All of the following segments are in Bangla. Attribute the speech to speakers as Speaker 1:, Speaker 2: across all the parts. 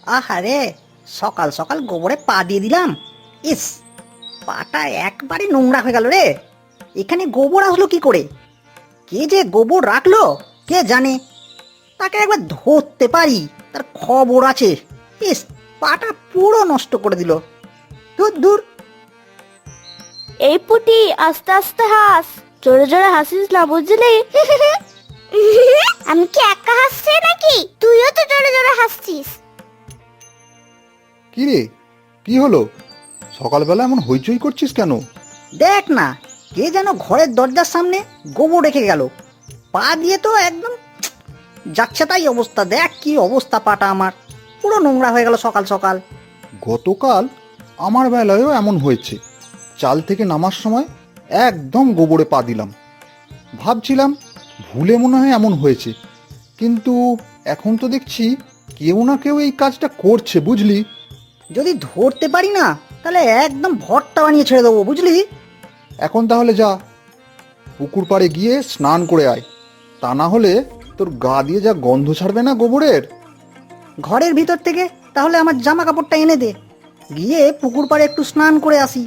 Speaker 1: আহারে, সকাল সকাল গোবরে পা দিয়ে দিলাম। ইস, পাটা একবারে নোংরা হয়ে গেল রে। এখানে গোবর আসলো কি করে? কে যে গোবর রাখলো কে জানে। তাকে একবার ধরতে পারি, তার খবর আছে। ইস, পাটা পুরো নষ্ট করে দিল। দূর দূর।
Speaker 2: এই পুটি, আস্তে আস্তে হাস, জোরে জোরে হাসিস না, বুঝলি?
Speaker 3: আমি কি একা হাসছি নাকি? তুইও তো জোরে জোরে হাসছিস।
Speaker 4: কি রে, কি হলো? সকালবেলা এমন হইচই করছিস কেন?
Speaker 1: দেখ না, কে যেন ঘরের দরজার সামনে গোবর রেখে গেল। পা দিয়ে তো একদম যাচ্ছে তাই অবস্থা। দেখ কি অবস্থা, পাটা আমার পুরো নোংরা হয়ে গেল সকাল সকাল।
Speaker 4: গতকাল আমার বেলায়ও এমন হয়েছে। চাল থেকে নামার সময় একদম গোবরে পা দিলাম। ভাবছিলাম ভুলে মনে হয় এমন হয়েছে, কিন্তু এখন তো দেখছি কেউ না কেউ এই কাজটা করছে, বুঝলি?
Speaker 1: যদি ধরতে পারি না, তাহলে একদম ভর্তা বানিয়ে ছেড়ে দেবো, বুঝলি?
Speaker 4: এখন তাহলে যা, পুকুর পাড়ে গিয়ে স্নান করে আয়। তা না হলে তোর গা দিয়ে যা গন্ধ ছাড়বে না গোবরের।
Speaker 1: ঘরের ভিতর থেকে তাহলে আমার জামা কাপড়টা এনে দে, গিয়ে পুকুর পাড়ে একটু স্নান করে আসি।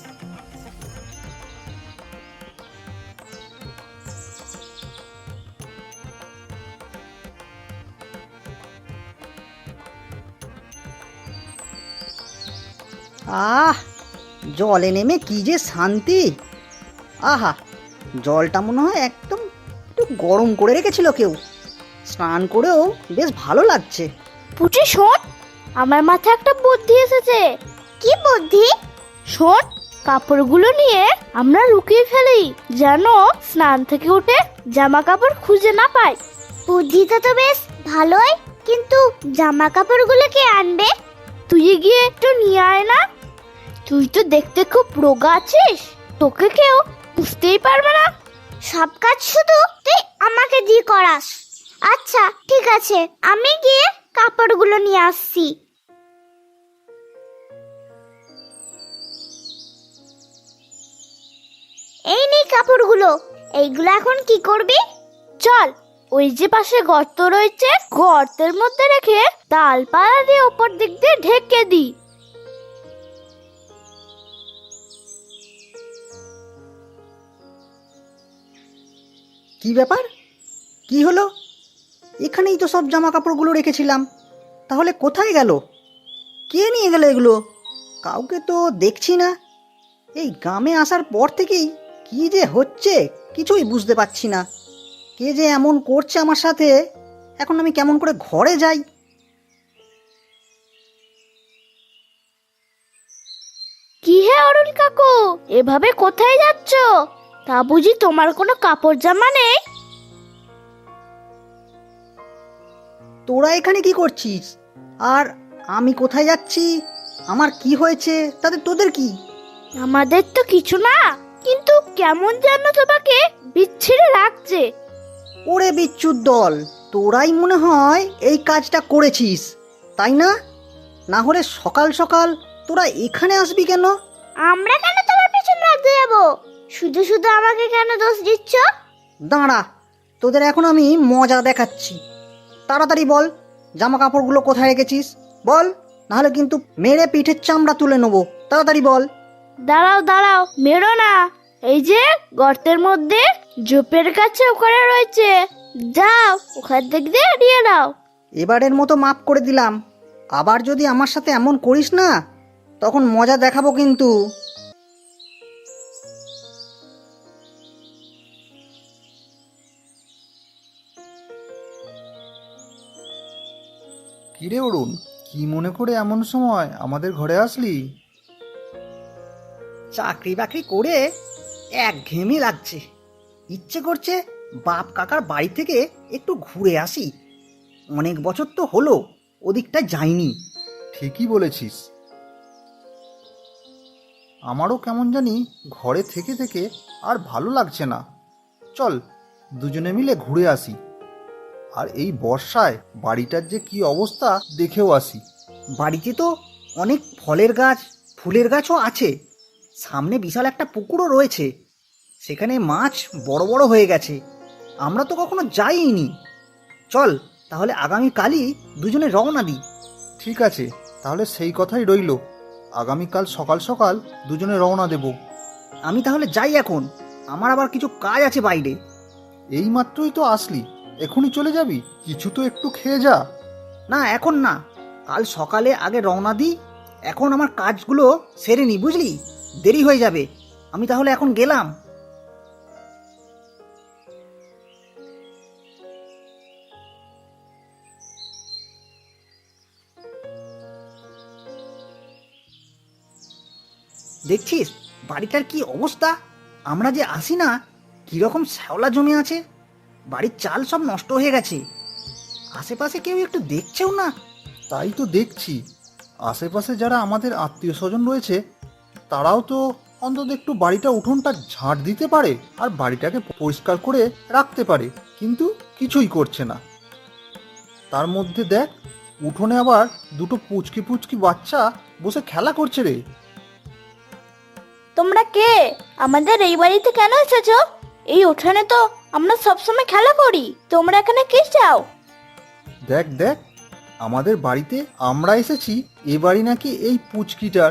Speaker 1: আহ, জলে নেমে কি যে শান্তি। আহা, জলটা মনে হয় একদম একটু গরম করে রেখেছিল কেউ। স্নান করেও বেশ ভালো লাগছে।
Speaker 2: পুটি শোন, আমার মাথায় একটা বুদ্ধি এসেছে।
Speaker 3: কি বুদ্ধি?
Speaker 2: শোন, কাপড়গুলো নিয়ে আমরা লুকিয়ে ফেলি, যেন স্নান থেকে উঠে জামা কাপড় খুঁজে না পাই।
Speaker 3: বুদ্ধিটা তো বেশ ভালোই, কিন্তু জামা কাপড়গুলো কে আনবে?
Speaker 2: তুই গিয়ে একটু নিয়ে আয় না। তুই তো দেখতে খুব রোগা আছিস, তোকে কেউ বুঝতেই পারবে না।
Speaker 3: সব কাজ শুধু তুই আমাকে দিয়ে করাস। আচ্ছা ঠিক আছে, আমি গিয়ে কাপড়গুলো নিয়ে আসছি। এই নে কাপড়গুলো, এইগুলো এখন কি করবি?
Speaker 2: চল, ওই যে পাশে গর্ত রয়েছে, গর্তের মধ্যে রেখে তালপালা দিয়ে ওপর দিক দিয়ে ঢেকে দি।
Speaker 1: কি ব্যাপার? কি হলো? এখানেই তো সব জামা কাপড়গুলো রেখেছিলাম, তাহলে কোথায় গেল? কে নিয়ে গেল এগুলো? কাউকে তো দেখছি না। এই গ্রামে আসার পর থেকেই কি যে হচ্ছে কিছুই বুঝতে পারছি না। কে যে এমন করছে আমার সাথে, এখন আমি কেমন করে ঘরে যাই?
Speaker 2: কি হে অরুণ কাকু, এভাবে কোথায় যাচ্ছ? তা বুঝি তোমার কোনো কাপড় জামা নেই?
Speaker 1: তোরা এখানে কি করছিস? আর আমি কোথায় যাচ্ছি, আমার কি হয়েছে, তাতে তোদের কি?
Speaker 2: আমাদের তো কিছু না, কিন্তু কেমন যেন তোমাকে বিচ্ছিরে লাগছে।
Speaker 1: ওরে বিচ্ছুর দল, তোরাই মনে হয় এই কাজটা করেছিস, তাই না? না হলে সকাল সকাল তোরা এখানে আসবি কেন?
Speaker 3: আমরা কেন তোমার পেছনে লাগতে যাবো? শুধু শুধু আমাকে কেন দোষ দিচ্ছ?
Speaker 1: দাঁড়া, তোদের এখন আমি মজা দেখাচ্ছি। তাড়াতাড়ি বল, জামা কাপড়গুলো কোথায় রেখেছিস বল, নাহলে কিন্তু মেরে পিঠের চামড়া তুলে নেবো। তাড়াতাড়ি বল।
Speaker 2: দাঁড়াও দাঁড়াও, মেরো না। এই যে গর্তের মধ্যে ঝোপের কাছে ওখানে রয়েছে, যাও ওখান থেকে দিয়ে নিয়ে নাও।
Speaker 1: এবারের মতো মাফ করে দিলাম, আবার যদি আমার সাথে এমন করিস না, তখন মজা দেখাবো কিন্তু।
Speaker 4: কিরে অরুণ, কি মনে করে এমন সময় আমাদের ঘরে আসলি?
Speaker 1: চাকরি বাকরি করে একঘেয়েমি লাগছে, ইচ্ছে করছে বাপ কাকার বাড়ি থেকে একটু ঘুরে আসি। অনেক বছর তো হলো ওদিকটা যাইনি।
Speaker 4: ঠিকই বলেছিস, আমারও কেমন জানি ঘরে থেকে থেকে আর ভালো লাগছে না। চল দুজনে মিলে ঘুরে আসি। আর এই বর্ষায় বাড়িটার যে কি অবস্থা দেখেও আসি।
Speaker 1: বাড়িতে তো অনেক ফলের গাছ, ফুলের গাছও আছে, সামনে বিশাল একটা পুকুরও রয়েছে, সেখানে মাছ বড় বড় হয়ে গেছে। আমরা তো কখনো যাইনি। চল তাহলে আগামীকালই দুজনে রওনা দিই।
Speaker 4: ঠিক আছে, তাহলে সেই কথাই রইল। আগামীকাল সকাল সকাল দুজনে রওনা দেব।
Speaker 1: আমি তাহলে যাই এখন, আমার আবার কিছু কাজ আছে বাইরে।
Speaker 4: এই মাত্রই তো আসলি, এখনই চলে যাবি? কিছু তো একটু খেয়ে যা।
Speaker 1: না এখন না, কাল সকালে আগে রওনা দিই। এখন আমার কাজগুলো সেরে নি, বুঝলি? দেরি হয়ে যাবে। আমি তাহলে এখন গেলাম। দেখছিস বাড়িটার কি অবস্থা? আমরা যে আসি না, কিরকম শ্যাওলা জমে আছে। বাড়ির চাল সব নষ্ট হয়ে গেছে। আশেপাশে কেউ একটু দেখছেও না।
Speaker 4: তাই তো দেখছি, আশেপাশে যারা আমাদের আত্মীয় স্বজন রয়েছে তারাও তো অন্তত একটু বাড়িটা উঠোনটা ঝাঁট দিতে পারে আর বাড়িটাকে পরিষ্কার করে রাখতে পারে, কিন্তু কিছুই করছে না। তার মধ্যে দেখ, উঠোনে আবার দুটো পুচকি পুচকি বাচ্চা বসে খেলা করছে রে।
Speaker 2: তোমরা কে? আমাদের এই বাড়িতে কেন এসেছো? এই উঠানে তো আমরা সবসময় খেলা করি। তোমরা এখানে কি চাও?
Speaker 4: দেখ দেখ, আমাদের বাড়িতে আমরা এসেছি, এ বাড়ি নাকি এই পুচকিটার।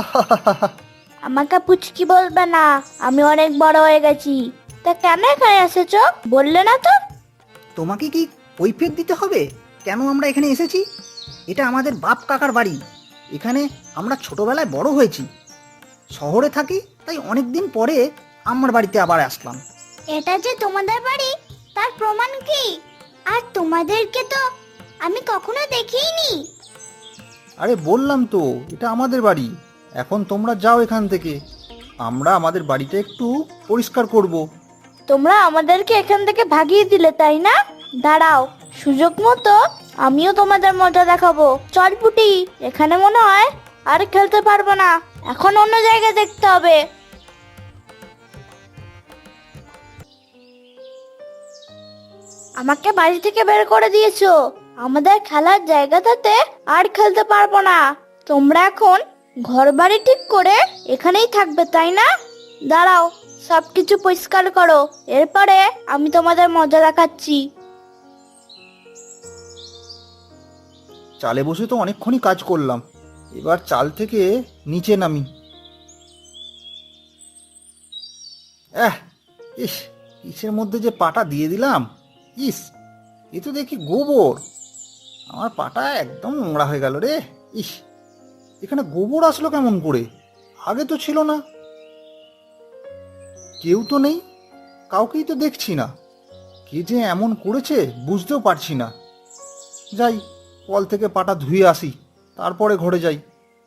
Speaker 2: আমাকে পুচকি বলবে না, আমি অনেক বড় হয়ে গেছি। তা কেন এখানে এসেছো বললে না তো?
Speaker 1: তোমাকে কি কৈফিয়ত দিতে হবে কেন আমরা এখানে এসেছি? এটা আমাদের বাপ কাকার বাড়ি। এখানে আমরা ছোটবেলায় বড় হয়েছি। শহরে থাকি, তাই অনেক দিন পরে আমার বাড়িতে আবার আসলাম।
Speaker 3: এটা যে তোমাদের বাড়ি তার প্রমাণ কি? আর তোমাদেরকে তো আমি কখনো দেখিনি।
Speaker 4: আরে বললাম তো, এটা আমাদের বাড়ি। এখন তোমরা যাও এখান থেকে, আমরা আমাদের বাড়িটা একটু পরিষ্কার করব।
Speaker 2: তোমরা আমাদেরকে এখান থেকে ভাগিয়ে দিলে, তাই না? দাঁড়াও, সুযোগ মতো আমিও তোমাদের মজা দেখাবো। চল পুটি, এখানে মনে হয় আর খেলতে পারবো না। এখন অন্য জায়গায় দেখতে হবে। আমাকে বাড়ি থেকে বের করে দিয়েছো। আমাদের খেলার জায়গাটাতে আর খেলতে পারবো না। তোমরা এখন ঘর বাড়ি ঠিক করে এখানেই থাকবে, তাই না? দাঁড়াও, সবকিছু পরিষ্কার করো, এরপরে আমি তোমাদের মজা দেখাচ্ছি।
Speaker 4: চালে বসে তো অনেকক্ষণই কাজ করলাম, এবার চাল থেকে নিচে নামি। ইস, ইসের মধ্যে যে পাটা দিয়ে দিলাম, ইস, এ তো দেখি গোবর। আমার পাটা একদম নোংরা হয়ে গেল রে। ইস, এখানে গোবর আসলো কেমন করে? আগে তো ছিল না। কেউ তো নেই, কাউকেই তো দেখছি না। কে যে এমন করেছে বুঝতেও পারছি না। যাই, কল থেকে পাটা ধুয়ে আসি, তারপরে ঘরে যাই।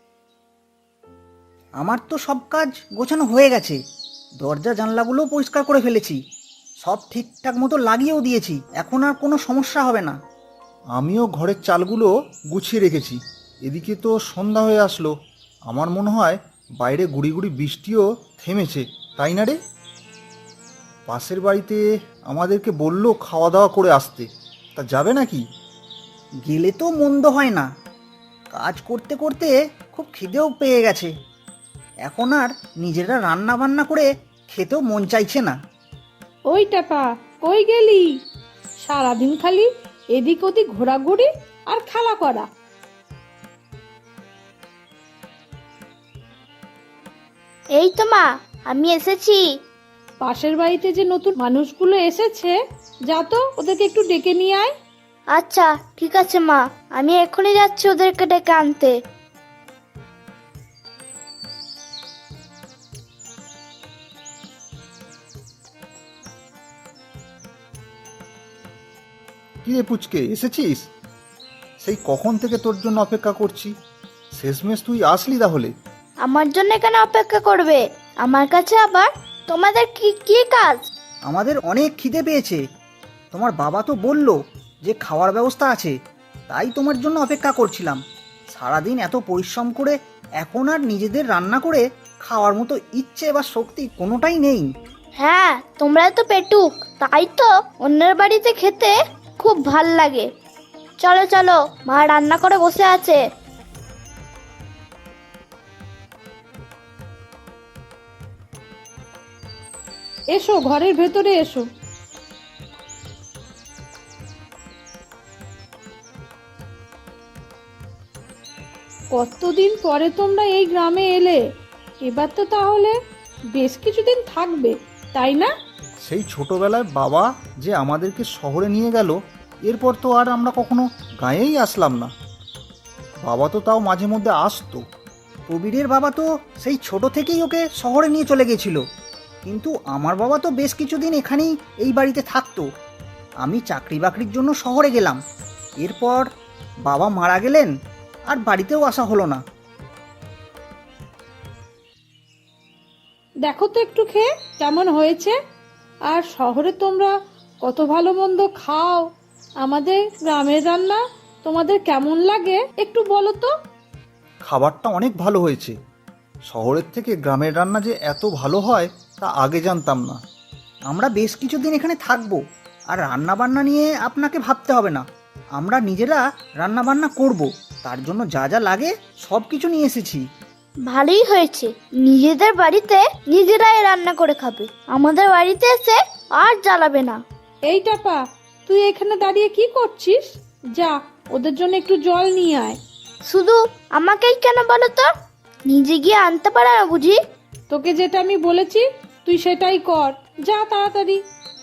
Speaker 1: আমার তো সব কাজ গোছানো হয়ে গেছে। দরজা জানলাগুলো পরিষ্কার করে ফেলেছি, সব ঠিকঠাক মতো লাগিয়েও দিয়েছি। এখন আর কোনো সমস্যা হবে না।
Speaker 4: আমিও ঘরের চালগুলো গুছিয়ে রেখেছি। এদিকে তো সন্ধ্যা হয়ে আসলো, আমার মনে হয় বাইরে গুড়ি গুড়ি বৃষ্টিও থেমেছে, তাই না রে? পাশের বাড়িতে আমাদেরকে বললো খাওয়া দাওয়া করে আসতে, তা যাবে নাকি?
Speaker 1: গেলে তো মন্দ হয় না। কাজ করতে করতে খুব খিদেও পেয়ে গেছে। এখন আর নিজেরা রান্না বান্না করে খেতেও মন চাইছে না।
Speaker 5: ওই টাপা, কই গেলি? সারাদিন খালি এদিক ওদিক ঘোরাঘুরি আর খেলা করা।
Speaker 2: এই তো মা, আমি এসেছি।
Speaker 5: পাশের বাড়িতে যে নতুন মানুষগুলো এসেছে, যা তো ওদেরকে একটু ডেকে নিয়ে আয়।
Speaker 2: আচ্ছা ঠিক আছে মা, আমি এখনই যাচ্ছি ওদেরকে ডেকে আনতে।
Speaker 4: কি রে পুচকে, এসেছিস? সেই কখন থেকে তোর জন্য অপেক্ষা করছি, শেষমেশ তুই আসলি তাহলে।
Speaker 2: আমার জন্য কেন অপেক্ষা করবে? আমার কাছে আবার তোমাদের কি কি কাজ?
Speaker 1: আমাদের অনেক খিদে পেয়েছে। তোমার বাবা তো বলল যে খাওয়ার ব্যবস্থা আছে, তাই তোমার জন্য অপেক্ষা করছিলাম। সারাদিন এত পরিশ্রম করে এখন আর নিজেদের রান্না করে খাওয়ার মতো ইচ্ছে বা শক্তি কোনোটাই নেই।
Speaker 2: হ্যাঁ, তোমরা তো পেটুক, তাই তো অন্যের বাড়িতে খেতে খুব ভাল লাগে। চলো চলো, মা রান্না করে বসে আছে।
Speaker 5: এসো, ঘরের ভেতরে এসো। কতদিন পরে তোমরা এই গ্রামে এলে, এবার তো তাহলে বেশ কিছুদিন থাকবে, তাই না?
Speaker 1: সেই ছোটবেলায় বাবা যে আমাদেরকে শহরে নিয়ে গেল, এরপর তো আর আমরা কখনো গাঁয়েই আসলাম না। বাবা তো তাও মাঝে মধ্যে আসতো। প্রবীরের বাবা তো সেই ছোট থেকেই ওকে শহরে নিয়ে চলে গেছিল, কিন্তু আমার বাবা তো বেশ কিছুদিন এখানেই এই বাড়িতে থাকতো। আমি চাকরি বাকরির জন্য শহরে গেলাম, এরপর বাবা মারা গেলেন, আর বাড়িতেও আসা হলো না।
Speaker 5: দেখো তো একটু খেয়ে কেমন হয়েছে। আর শহরে তোমরা কত ভালো মন্দ খাও, আমাদের গ্রামের রান্না তোমাদের কেমন লাগে একটু বলো তো।
Speaker 1: খাবারটা অনেক ভালো হয়েছে। শহরের থেকে গ্রামের রান্না যে এত ভালো হয় তা আগে জানতাম না। আমরা বেশ কিছুদিন এখানে থাকবো, আর রান্না বান্না নিয়ে আপনাকে ভাবতে হবে না। আমরা নিজেরা রান্না বান্না করব, তার জন্য যা যা লাগে সব কিছু নিয়ে এসেছি।
Speaker 2: ভালোই হয়েছে, নিজেদের বাড়িতে নিজেরাই রান্না করে খাবে, আমাদের বাড়িতে এসে আর জ্বালাবে না।
Speaker 5: এই টাপা, তুই এখানে দাঁড়িয়ে কি করছিস? যা, ওদের জন্য একটু জল নিয়ে আয়।
Speaker 2: শুধু আমাকেই কেন বলো তো, নিজে গিয়ে আনতে পারে না বুঝি?
Speaker 5: তোকে যেটা আমি বলেছি তুই সেটাই কর, যা তাড়াতাড়ি।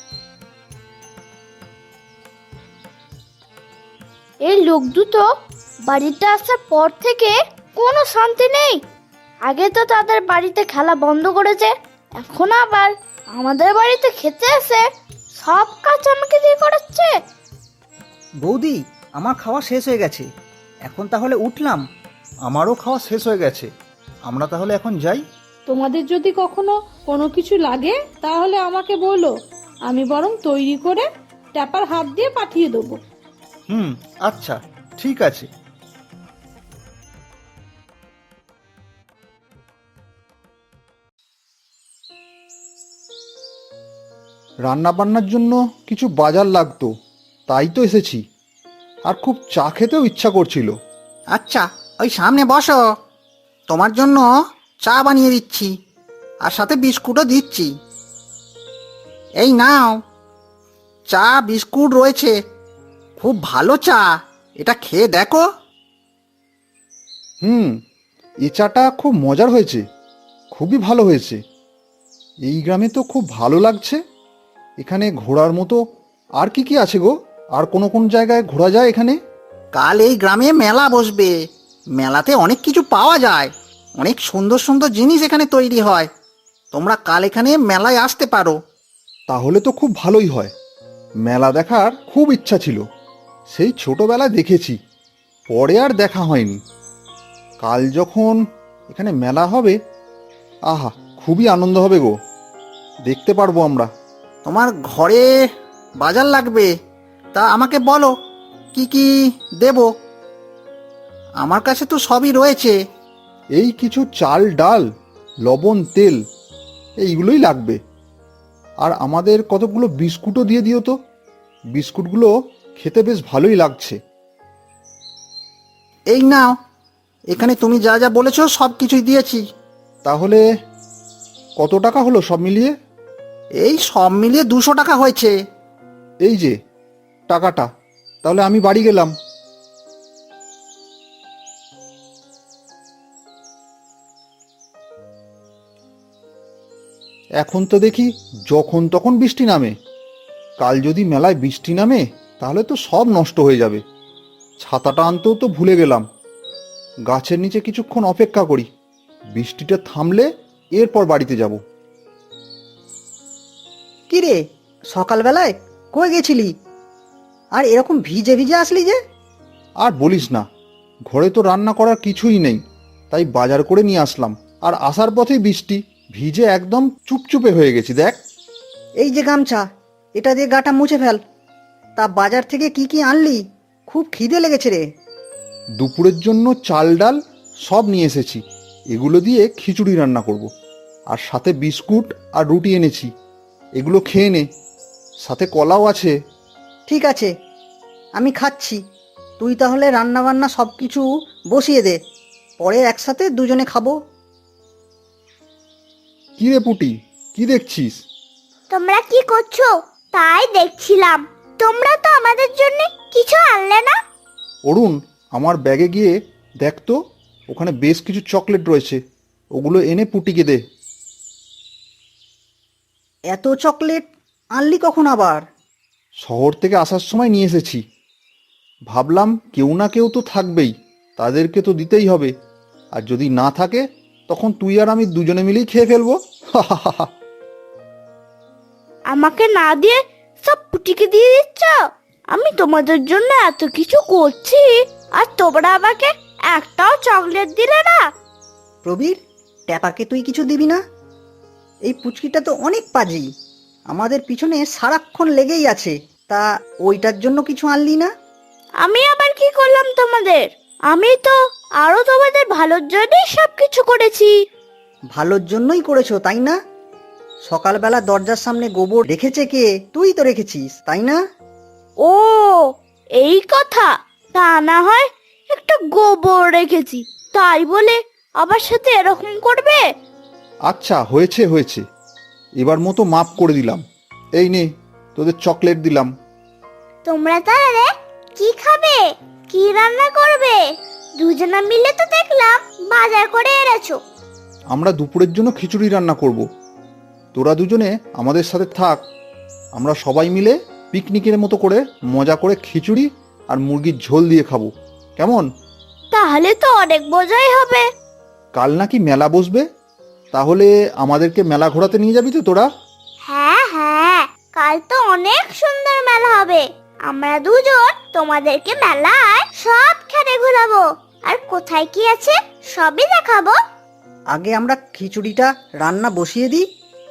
Speaker 2: এই লোক দুটো বাড়িতে আসার পর থেকে কোনো শান্তি নেই। আগে তো তাদের বাড়িতে খেলা বন্ধ করেছে, এখন আবার আমাদের বাড়িতে খেতে এসে সব কাজ আমাকে দিয়ে করাচ্ছে।
Speaker 1: বৌদি, আমার খাওয়া শেষ হয়ে গেছে, এখন তাহলে উঠলাম। আমারও খাওয়া শেষ হয়ে গেছে, আমরা তাহলে এখন যাই।
Speaker 5: তোমাদের যদি কখনো কোনো কিছু লাগে তাহলে আমাকে বলো, আমি বরং তৈরি করে ট্যাপার হাত দিয়ে পাঠিয়ে দেবো।
Speaker 1: আচ্ছা, ঠিক আছে।
Speaker 4: রান্না বান্নার জন্য কিছু বাজার লাগতো, তাই তো এসেছি। আর খুব চা খেতেও ইচ্ছা করছিল।
Speaker 1: আচ্ছা, ওই সামনে বসো, তোমার জন্য চা বানিয়ে দিচ্ছি, আর সাথে বিস্কুটও দিচ্ছি। এই নাও, চা বিস্কুট রয়েছে, খুব ভালো চা, এটা খেয়ে দেখো।
Speaker 4: এই চাটা খুব মজার হয়েছে, খুবই ভালো হয়েছে। এই গ্রামে তো খুব ভালো লাগছে। এখানে ঘোরার মতো আর কি কি আছে গো? আর কোন জায়গায় ঘোরা যায় এখানে?
Speaker 1: কাল এই গ্রামে মেলা বসবে, মেলাতে অনেক কিছু পাওয়া যায়, অনেক সুন্দর সুন্দর জিনিস এখানে তৈরি হয়। তোমরা কাল এখানে মেলায় আসতে পারো।
Speaker 4: তাহলে তো খুব ভালোই হয়। মেলা দেখার খুব ইচ্ছা ছিল, সেই ছোটবেলায় দেখেছি, পরে আর দেখা হয়নি। কাল যখন এখানে মেলা হবে, আহা, খুবই আনন্দ হবে গো, দেখতে পারবো আমরা।
Speaker 1: তোমার ঘরে বাজার লাগবে, তা আমাকে বলো কি কি দেব। আমার কাছে তো সবই রয়েছে।
Speaker 4: এই কিছু চাল, ডাল, লবণ, তেল, এইগুলোই লাগবে। আর আমাদের কতগুলো বিস্কুটও দিয়ে দিও তো, বিস্কুটগুলো খেতে বেশ ভালোই লাগছে।
Speaker 1: এই নাও, এখানে তুমি যা যা বলেছো সব কিছুই দিয়েছি।
Speaker 4: তাহলে কত টাকা হলো সব মিলিয়ে?
Speaker 1: এই সব মিলিয়ে 200 টাকা হয়েছে।
Speaker 4: এই যে টাকাটা, তাহলে আমি বাড়ি গেলাম। এখন তো দেখি যখন তখন বৃষ্টি নামে। কাল যদি মেলায় বৃষ্টি নামে তাহলে তো সব নষ্ট হয়ে যাবে। ছাতাটা আনতেও তো ভুলে গেলাম। গাছের নিচে কিছুক্ষণ অপেক্ষা করি, বৃষ্টিটা থামলে এরপর বাড়িতে যাব।
Speaker 1: কি রে, সকালবেলায় কই গেছিলি, আর এরকম ভিজে ভিজে আসলি যে?
Speaker 4: আর বলিস না, ঘরে তো রান্না করার কিছুই নেই, তাই বাজার করে নিয়ে আসলাম। আর আসার পথেই বৃষ্টি, ভিজে একদম চুপচুপে হয়ে গেছি। দেখ,
Speaker 1: এই যে গামছা, এটা দিয়ে গাটা মুছে ফেল। তা বাজার থেকে কি কি আনলি? খুব খিদে লেগেছে রে।
Speaker 4: দুপুরের জন্য চাল, ডাল সব নিয়ে এসেছি, এগুলো দিয়ে খিচুড়ি রান্না করব। আর সাথে বিস্কুট আর রুটি এনেছি, এগুলো খেয়ে নে, সাথে কলাও আছে।
Speaker 1: ঠিক আছে, আমি খাচ্ছি। তুই তাহলে রান্না বান্না সব কিছু বসিয়ে দে, পরে একসাথে দুজনে খাবো।
Speaker 4: কি রে পুটি, কি দেখছিস?
Speaker 3: তোমরা কি করছো তাই দেখছিলাম। তোমরা তো আমাদের জন্য কিছু আনলে না।
Speaker 4: অরুণ, আমার ব্যাগে গিয়ে দেখ তো ওখানে বেশ কিছু চকলেট রয়েছে, ওগুলো এনে পুটিকে দে।
Speaker 1: এত চকলেট আনলি কখন আবার?
Speaker 4: শহর থেকে আসার সময় নিয়ে এসেছি। ভাবলাম কেউ না কেউ তো থাকবেই, তাদেরকে তো দিতেই হবে। আর যদি না থাকে তখন তুই আর আমি দুজনে মিলেই খেয়ে ফেলবো।
Speaker 2: আমাকে না দিয়ে সব পুটিকে দিয়ে দিচ্ছ? আমি তোমাদের জন্য এত কিছু করছি আর তোমরা আমাকে একটাও চকলেট দিলে না।
Speaker 1: প্রবীর, ট্যাপাকে তুই কিছু দিবি না? এই পুচকিটা তো অনেক পাজি, আমাদের পিছনে সারাক্ষণ লেগেই আছে। তা ওইটার জন্য কিছু আনলি না?
Speaker 2: আমি আবার কি করলাম তোমাদের? আমি তো আরো তোমাদের ভালোর জন্যই সবকিছু করেছি।
Speaker 1: ভালোর জন্যই করেছো তাই না? সকালবেলা দরজার সামনে গোবর রেখেছে কে? তুই তো রেখেছিস তাই না?
Speaker 2: ও, এই কথা। তা না হয় একটা গোবর রেখেছি, তাই বলে আমার সাথে এরকম করবে?
Speaker 4: আচ্ছা, হয়েছে হয়েছে, এবার মতো মাফ করে দিলাম। এই নে, তোদের চকলেট দিলাম।
Speaker 3: তোমরা তাহলে কি খাবে? কি রান্না করবে? দুজনা মিলে তো দেখলাম বাজার করে এনেছো।
Speaker 4: আমরা দুপুরের জন্য খিচুড়ি রান্না করব। তোরা দুজনে আমাদের সাথে থাক, আমরা সবাই মিলে পিকনিকের মতো করে মজা করে খিচুড়ি আর মুরগির ঝোল দিয়ে খাবো, কেমন?
Speaker 2: তাহলে তো অনেক মজাই হবে।
Speaker 4: কাল নাকি মেলা বসবে, তাহলে আমাদেরকে মেলা ঘোরাতে নিয়ে যাবি তো তোরা?
Speaker 3: হ্যাঁ হ্যাঁ, কাল তো অনেক সুন্দর মেলা হবে। আমরা দুজন তোমাদেরকে মেলায় সবখানে ঘোরাবো, আর কোথায় কি আছে সবই দেখাবো।
Speaker 1: আগে আমরা খিচুড়িটা রান্না বসিয়ে দিই।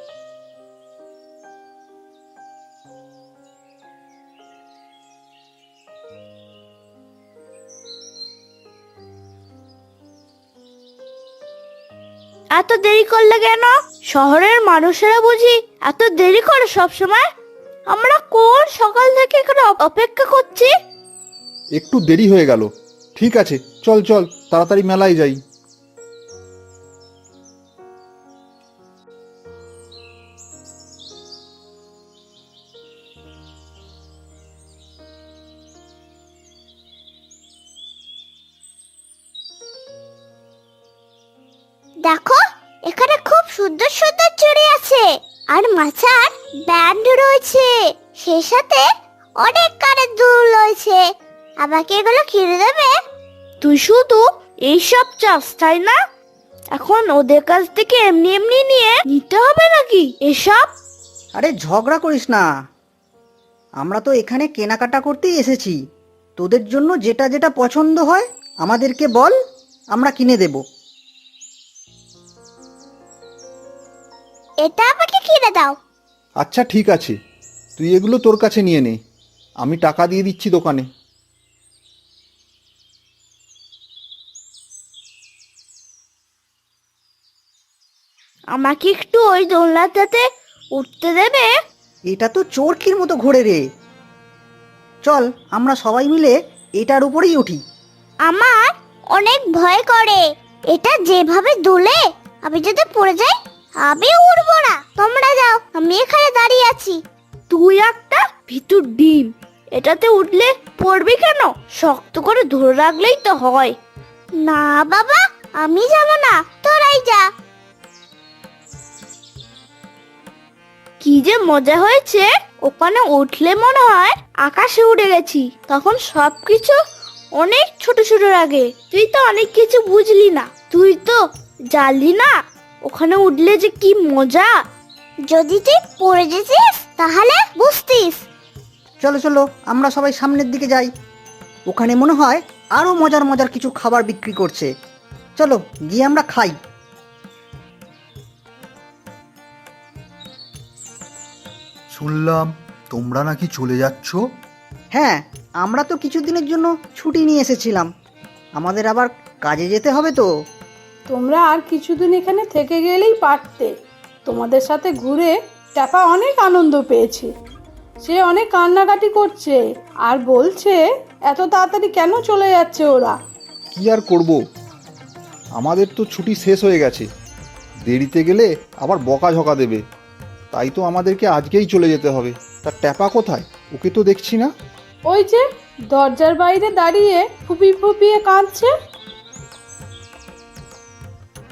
Speaker 2: এত দেরি করলে কেন? শহরের মানুষেরা বুঝি এত দেরি করে সব সময়? আমরা কোন সকাল থেকে এখানে অপেক্ষা করছি।
Speaker 4: একটু দেরি হয়ে গেল। ঠিক আছে, চল চল তাড়াতাড়ি মেলায় যাই।
Speaker 3: দেখো, এখানে খুব সুন্দর সুন্দর চুড়ি আছে, আর মাথার ব্যান্ড রয়েছে, সেই সাথে অনেক কানের দুল রয়েছে। আমাকে এগুলো কিনে দেবে?
Speaker 2: তুই শুধু এইসব চাস তাই না? এখন ওদের কাছ থেকে এমনি এমনি নিয়ে নিতে হবে নাকি এসব?
Speaker 1: আরে ঝগড়া করিস না, আমরা তো এখানে কেনাকাটা করতেই এসেছি। তোদের জন্য যেটা যেটা পছন্দ হয় আমাদেরকে বল, আমরা কিনে দেব।
Speaker 3: এটা আমাকে কিনে দাও।
Speaker 4: আচ্ছা ঠিক আছে, তুই এগুলো তোর কাছে নিয়ে নে, আমি টাকা দিয়ে দিচ্ছি দোকানে।
Speaker 2: আমাকে একটু ওই দোলনাটাতে উঠতে দেবে?
Speaker 1: এটা তো চরকির মতো ঘোরে রে। চল আমরা সবাই মিলে এটার উপরেই উঠি।
Speaker 3: আমার অনেক ভয় করে, এটা যেভাবে দুলে আমি যদি পড়ে যাই, আমি উড়বো না। তোমরা যাও, আমি এখানে দাঁড়িয়ে আছি।
Speaker 2: তুই একটা ভিতর ডিম, এটাতে উঠলে পড়বি কেন? শক্ত করে ধরে রাখলেই তো হয়।
Speaker 3: না বাবা, আমি যাব না, তোরাই যা।
Speaker 2: কি যে মজা হয়েছে, ওখানে উঠলে মনে হয় আকাশে উড়ে গেছি। তখন সবকিছু অনেক ছোট ছোট লাগে। তুই তো অনেক কিছু বুঝলি না, তুই তো জানলি না ওখানে উঠলে যে কি মজা।
Speaker 3: যদি তুই পড়ে যেতিস তাহলে বুঝতিস।
Speaker 1: চলো চলো আমরা সবাই সামনের দিকে যাই, ওখানে মনে হয় আরো মজার মজার কিছু খাবার বিক্রি করছে। চলো গিয়ে আমরা খাই।
Speaker 4: শুনলাম তোমরা নাকি চলে যাচ্ছ?
Speaker 1: হ্যাঁ, আমরা তো কিছুদিনের জন্য ছুটি নিয়ে এসেছিলাম, আমাদের আবার কাজে যেতে হবে তো।
Speaker 5: তোমরা আর কিছুদিন এখানে থেকে গেলেই পারতে। তোমাদের সাথে ঘুরে ট্যাপা অনেক আনন্দ পেয়েছে। সে অনেক কান্নাকাটি করছে আর বলছে এত তাড়াতাড়ি কেন চলে যাচ্ছে ওরা।
Speaker 4: কি আর করব, আমাদের তো ছুটি শেষ হয়ে গেছে, দেরিতে গেলে আবার বকাঝকা দেবে, তাই তো আমাদেরকে আজকেই চলে যেতে হবে। তা ট্যাপা কোথায়? ওকে তো দেখছি না।
Speaker 5: ওই যে দরজার বাইরে দাঁড়িয়ে ফুপিয়ে ফুপিয়ে কাঁদছে।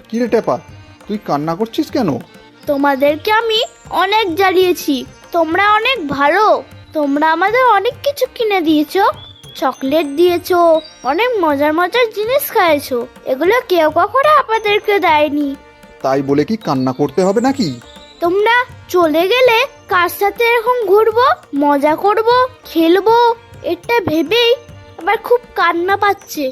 Speaker 4: কিরে টেপা, তুই কান্না করছিস কেন?
Speaker 2: তোমাদেরকে আমি অনেক জ্বালিয়েছি, তোমরা অনেক ভালো। তোমরা আমাদের অনেক কিছু কিনে দিয়েছো, চকলেট দিয়েছো, অনেক মজার মজার জিনিস খাইয়েছো। এগুলো কেউ কখনো আপনাদেরকে দেয়নি।
Speaker 4: তাই বলে কি কান্না করতে হবে নাকি?
Speaker 2: তোমরা চলে গেলে কার সাথে এরকম ঘুরবো, মজা করব, খেলবো, এটা ভেবেই আবার খুব কান্না পাচ্ছে।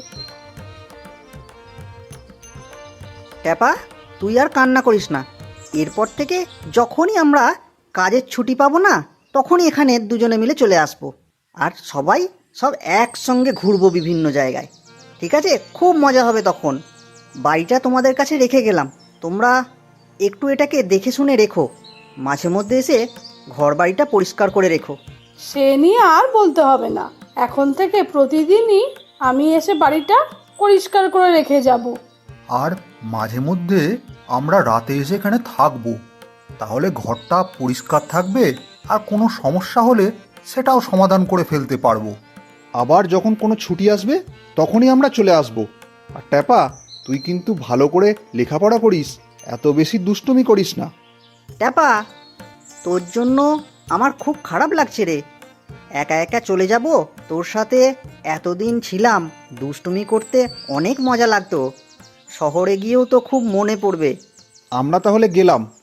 Speaker 1: ট্যাপা, তুই আর কান্না করিস না। এরপর থেকে যখনই আমরা কাজের ছুটি পাবো না, তখনই এখানে দুজনে মিলে চলে আসবো। আর সব একসঙ্গে ঘুরবো বিভিন্ন জায়গায়। ঠিক আছে? খুব মজা হবে তখন। বাড়িটা তোমাদের কাছে রেখে গেলাম, তোমরা একটু এটাকে দেখে শুনে রেখো। মাঝে মধ্যে এসে ঘর বাড়িটা পরিষ্কার করে রেখো।
Speaker 5: সে নিয়ে আর বলতে হবে না, এখন থেকে প্রতিদিনই আমি এসে বাড়িটা পরিষ্কার করে রেখে যাব।
Speaker 4: আর মাঝে মধ্যে আমরা রাতে এসে এখানে থাকবো, তাহলে ঘরটা পরিষ্কার থাকবে আর কোনো সমস্যা হলে সেটাও সমাধান করে ফেলতে পারবো। আবার যখন কোনো ছুটি আসবে তখনই আমরা চলে আসব। আর ট্যাপা, তুই কিন্তু ভালো করে লেখাপড়া করিস, এত বেশি দুষ্টুমি করিস না।
Speaker 1: ট্যাপা, তোর জন্য আমার খুব খারাপ লাগছে রে। একা একা চলে যাব, তোর সাথে এতদিন ছিলাম, দুষ্টুমি করতে অনেক মজা লাগতো। শহরে গিয়েও তো খুব মনে পড়বে।
Speaker 4: আমরা তাহলে গেলাম।